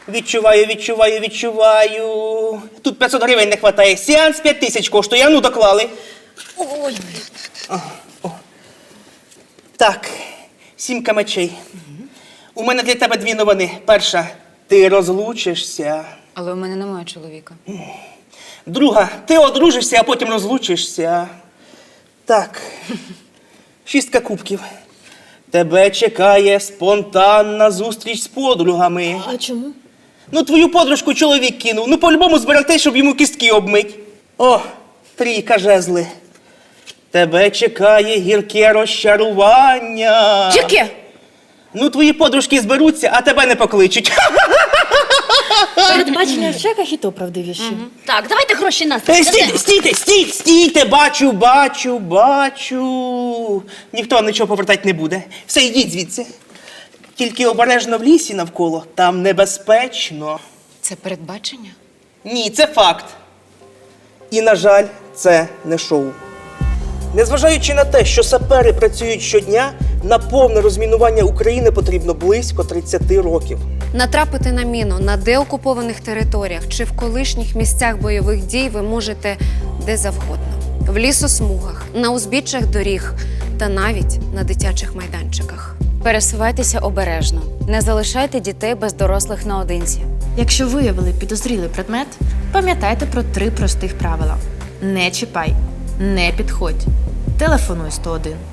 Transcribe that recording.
Відчуваю. Тут 500 гривень не вистачає. Сеанс 5000 коштує. А ну, доклали. Ой. Так, 7 мечей. У мене для тебе 2 новини. Перша, ти розлучишся. Але у мене немає чоловіка. Друга, ти одружишся, а потім розлучишся. Так, 6 кубків. Тебе чекає спонтанна зустріч з подругами. А чому? Ну, твою подружку чоловік кинув. Ну, по-любому збирати, щоб йому кістки обмить. О, 3 жезли. Тебе чекає гірке розчарування. Яке? Ну, твої подружки зберуться, а тебе не покличуть. Передбачення в чеках і то правдивіші. Так, давайте гроші нас. Стійте, бачу. Ніхто вам нічого повертати не буде. Все, йдіть звідси. Тільки обережно в лісі навколо, там небезпечно. Це передбачення? Ні, це факт. І, на жаль, це не шоу. Незважаючи на те, що сапери працюють щодня, на повне розмінування України потрібно близько 30 років. Натрапити на міну на деокупованих територіях чи в колишніх місцях бойових дій ви можете де завгодно. В лісосмугах, на узбіччях доріг та навіть на дитячих майданчиках. Пересувайтеся обережно. Не залишайте дітей без дорослих наодинці. Якщо виявили підозрілий предмет, пам'ятайте про 3 простих правила. Не чіпай, не підходь, телефонуй 101.